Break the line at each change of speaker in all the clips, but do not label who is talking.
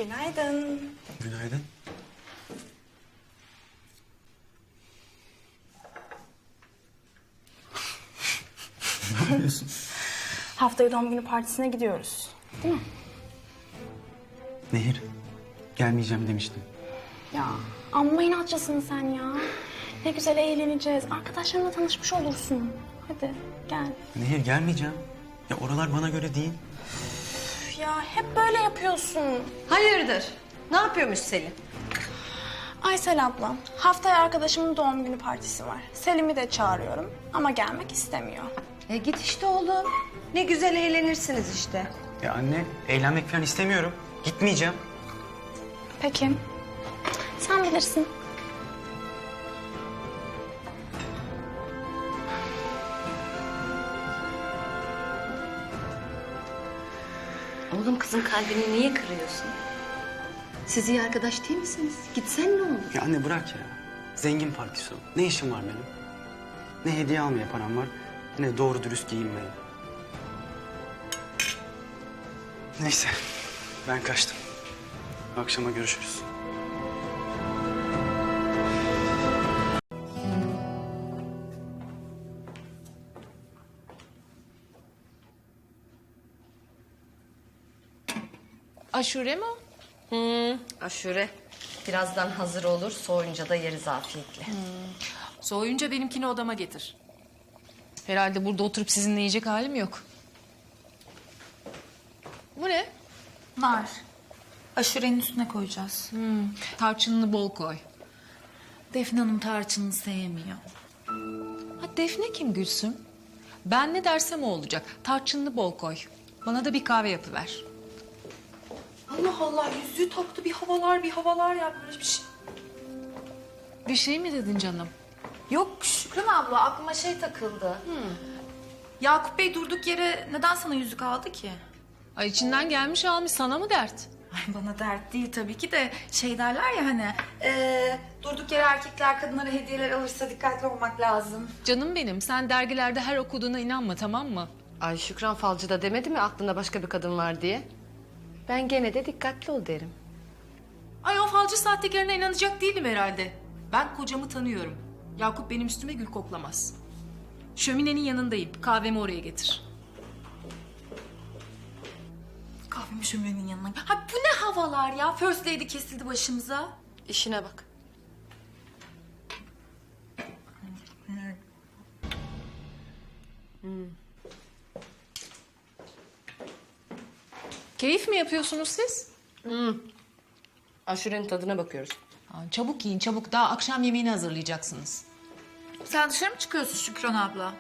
Günaydın.
Günaydın. Ne yapıyorsun?
Haftaya doğum günü partisine gidiyoruz. Değil mi?
Nehir, gelmeyeceğim demiştim.
Ya amma inatçısın sen ya. Ne güzel eğleneceğiz. Arkadaşlarımla tanışmış olursun. Hadi gel.
Nehir, gelmeyeceğim. Ya oralar bana göre değil.
Üf ya hep böyle yapıyorsun.
Hayırdır? Ne yapıyormuş Selin?
Aysel ablam, haftaya arkadaşımın doğum günü partisi var. Selim'i de çağırıyorum ama gelmek istemiyor.
Git işte oğlum. Ne güzel eğlenirsiniz işte.
Ya anne, eğlenmek falan istemiyorum. Gitmeyeceğim.
Peki. Sen bilirsin.
Oğlum kızın kalbini niye kırıyorsun? Siz iyi arkadaş değil misiniz? Gitsen ne olur?
Ya anne bırak ya. Zengin partisi o. Ne işim var benim? Ne hediye almaya param var, ne doğru dürüst giyinmeye. Neyse, ben kaçtım. Akşama görüşürüz.
Aşure mi o?
Aşure. Birazdan hazır olur. Soğuyunca da yeriz afiyetle.
Soğuyunca benimkini odama getir. Herhalde burada oturup sizinle yiyecek halim yok. Bu ne?
Nar. Aşurenin üstüne koyacağız.
Tarçınını bol koy.
Defne Hanım tarçınını sevmiyor.
Ha, Defne kim Gülsüm? Ben ne dersem o olacak. Tarçınını bol koy. Bana da bir kahve yapıver.
Allah Allah yüzüğü taktı bir havalar yapmış bir şey.
Bir şey mi dedin canım?
Yok Şükran abla aklıma şey takıldı. Yakup Bey durduk yere neden sana yüzük aldı ki?
Ay içinden gelmiş almış, sana mı dert?
Ay bana dert değil tabii ki de şey derler ya hani durduk yere erkekler kadınlara hediyeler alırsa dikkatli olmak lazım.
Canım benim, sen dergilerde her okuduğuna inanma, tamam mı?
Ay Şükran Falcı da demedi mi aklında başka bir kadın var diye? Ben gene de dikkatli ol derim.
Ay o falcı sahtekarına inanacak değilim herhalde. Ben kocamı tanıyorum. Yakup benim üstüme gül koklamaz. Şöminenin yanındayım. Kahvemi oraya getir.
Kahvemi şöminenin yanına. Ha bu ne havalar ya? First lady kesildi başımıza.
İşine bak.
Keyif mi yapıyorsunuz siz?
Aşurenin tadına bakıyoruz.
Aa, çabuk yiyin çabuk. Daha akşam yemeğini hazırlayacaksınız.
Sen dışarı mı çıkıyorsun Şükran abla?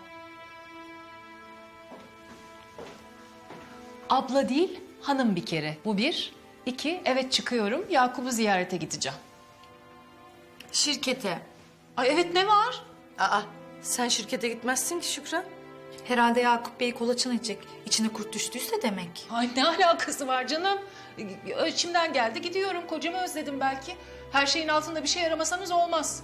Abla değil, hanım bir kere. Bu bir. İki, evet çıkıyorum. Yakup'u ziyarete gideceğim.
Şirkete.
Ay evet, ne var?
Aa, sen şirkete gitmezsin ki Şükran.
Herhalde Yakup Bey kolaçan edecek. İçine kurt düştüyse demek.
Ay ne alakası var canım? İçimden geldi, gidiyorum. Kocamı özledim belki. Her şeyin altında bir şey aramasanız olmaz.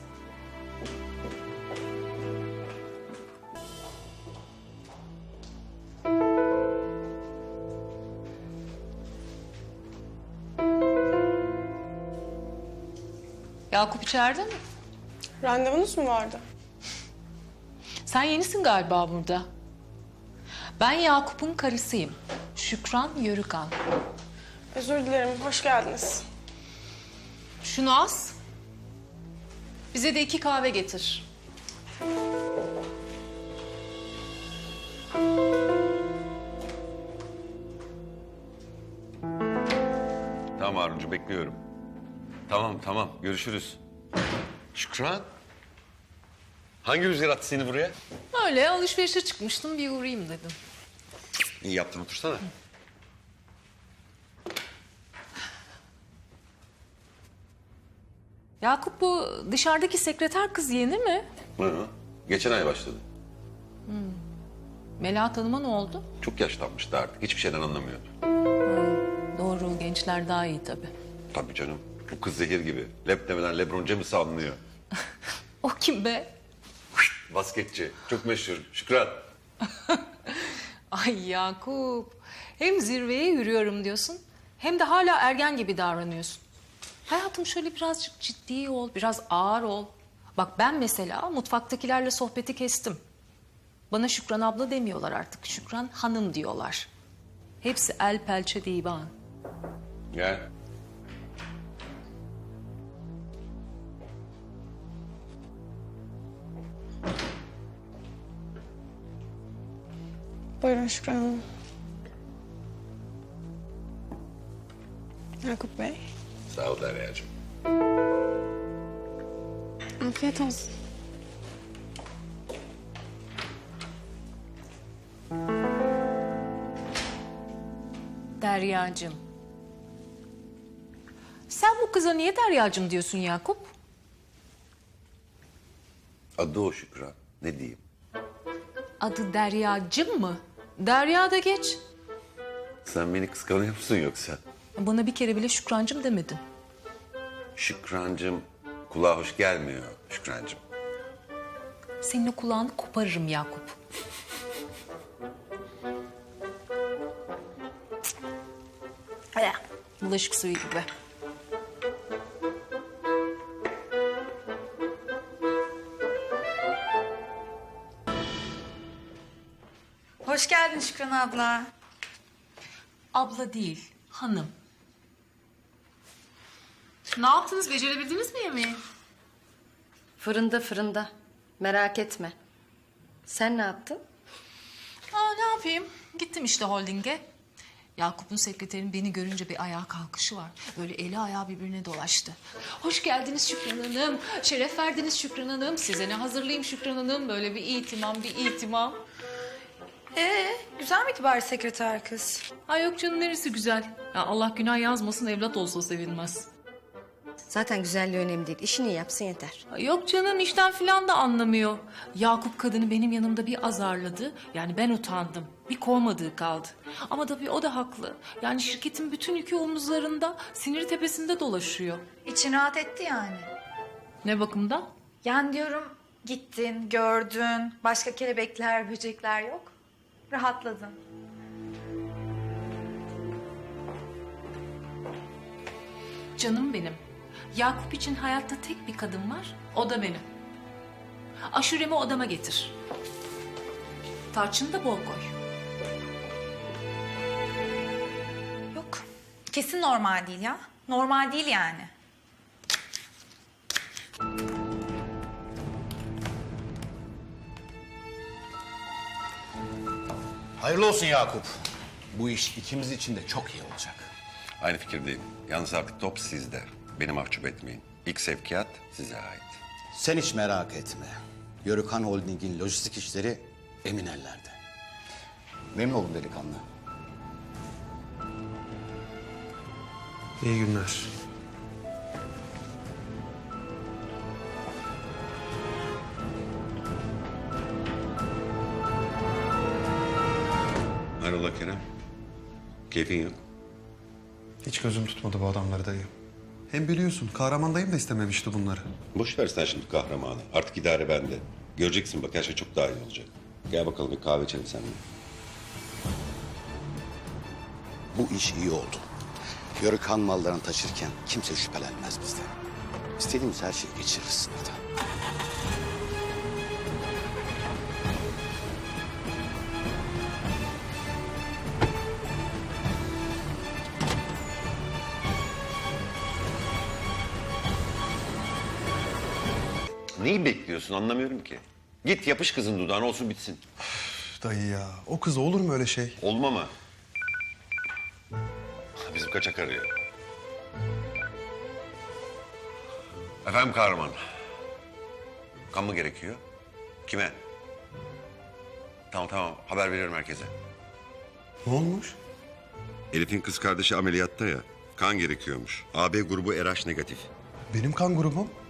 Yakup içeride mi?
Randevunuz mu vardı?
Sen yenisin galiba burada. Ben Yakup'un karısıyım. Şükran Yörükan.
Özür dilerim, hoş geldiniz.
Şunu as. Bize de 2 kahve getir.
Tamam Haruncu, bekliyorum. Tamam görüşürüz. Şükran. Hangi rüzgar attı seni buraya?
Öyle alışverişe çıkmıştım, bir uğrayayım dedim.
İyi yaptın, otursana.
Yakup, bu dışarıdaki sekreter kız yeni mi?
Hı. Geçen ay başladı.
Melahat Hanım'a ne oldu?
Çok yaşlanmıştı artık. Hiçbir şeyden anlamıyordu.
Doğru, gençler daha iyi tabii.
Tabii canım. Bu kız zehir gibi. Lep demeden LeBron James'i anlıyor.
O kim be?
Basketçi. Çok meşhur. Şükran.
Ay Yakup, hem zirveye yürüyorum diyorsun, Hem de hala ergen gibi davranıyorsun. Hayatım şöyle birazcık ciddi ol, biraz ağır ol. Bak ben mesela mutfaktakilerle sohbeti kestim. Bana Şükran abla demiyorlar artık. Şükran hanım diyorlar. Hepsi el pençe divan.
Gel.
Buyurun Şükran Hanım. Yakup Bey.
Sağ ol Derya'cığım.
Afiyet olsun.
Deryacığım. Sen bu kıza niye Deryacığım diyorsun Yakup?
Adı o Şükran. Ne diyeyim?
Adı Deryacığım mı? Derya da geç.
Sen beni kıskanıyor musun yoksa?
Bana bir kere bile Şükrancığım demedin.
Şükrancığım kulağa hoş gelmiyor Şükrancığım.
Senin o kulağını koparırım Yakup. Bulaşık suyu gibi.
Hoş geldin Şükran abla.
Abla değil, hanım. Ne yaptınız? Becerebildiniz mi yemeği?
Fırında. Merak etme. Sen ne yaptın?
Ne yapayım? Gittim işte holdinge. Yakup'un sekreterinin beni görünce bir ayağa kalkışı var. Böyle eli ayağı birbirine dolaştı. Hoş geldiniz Şükran Hanım. Şeref verdiniz Şükran Hanım. Size ne hazırlayayım Şükran Hanım? Böyle bir itimam.
Güzel miydi bari sekreter kız?
Ay yok canım neresi güzel. Ya Allah günah yazmasın evlat olsa sevilmez.
Zaten güzelliği önemli değil. İşini yapsın yeter.
Ay yok canım işten filan da anlamıyor. Yakup kadını benim yanımda bir azarladı. Yani ben utandım. Bir kovmadığı kaldı. Ama tabii o da haklı. Yani şirketin bütün yükü omuzlarında, siniri tepesinde dolaşıyor.
İçin rahat etti yani.
Ne bakımdan?
Yani diyorum gittin, gördün, başka kelebekler, böcekler yok. Rahatladın.
Canım benim. Yakup için hayatta tek bir kadın var. O da benim. Aşuremi odama getir. Tarçını da bol koy.
Yok. Kesin normal değil ya. Normal değil yani.
Hayırlı olsun Yakup. Bu iş ikimiz için de çok iyi olacak.
Aynı fikirdeyim. Yalnız artık top sizde. Beni mahcup etmeyin. İlk sevkiyat size ait.
Sen hiç merak etme. Yörükhan Holding'in lojistik işleri emin ellerde. Memnun oldum delikanlı.
İyi günler.
Hayrola Kerem? Keyfin yok.
Hiç gözüm tutmadı bu adamları dayı. Hem biliyorsun kahraman dayım da istememişti bunları.
Boş ver sen şimdi kahramanı. Artık idare bende. Göreceksin bak her şey çok daha iyi olacak. Gel bakalım bir kahve içelim seninle.
Bu iş iyi oldu. Yörükhan mallarını taşırken kimse şüphelenmez bizden. İstediğimiz her şeyi geçiririz burada.
Neyi bekliyorsun anlamıyorum ki. Git yapış kızın dudağına olsun bitsin.
Üf, dayı ya o kız olur mu öyle şey?
Olma mı? Bizim kaçak arıyor. Efendim kahraman. Kan mı gerekiyor? Kime? Tamam haber veriyorum herkese.
Ne olmuş?
Elif'in kız kardeşi ameliyatta ya. Kan gerekiyormuş. AB grubu RH negatif.
Benim kan grubum.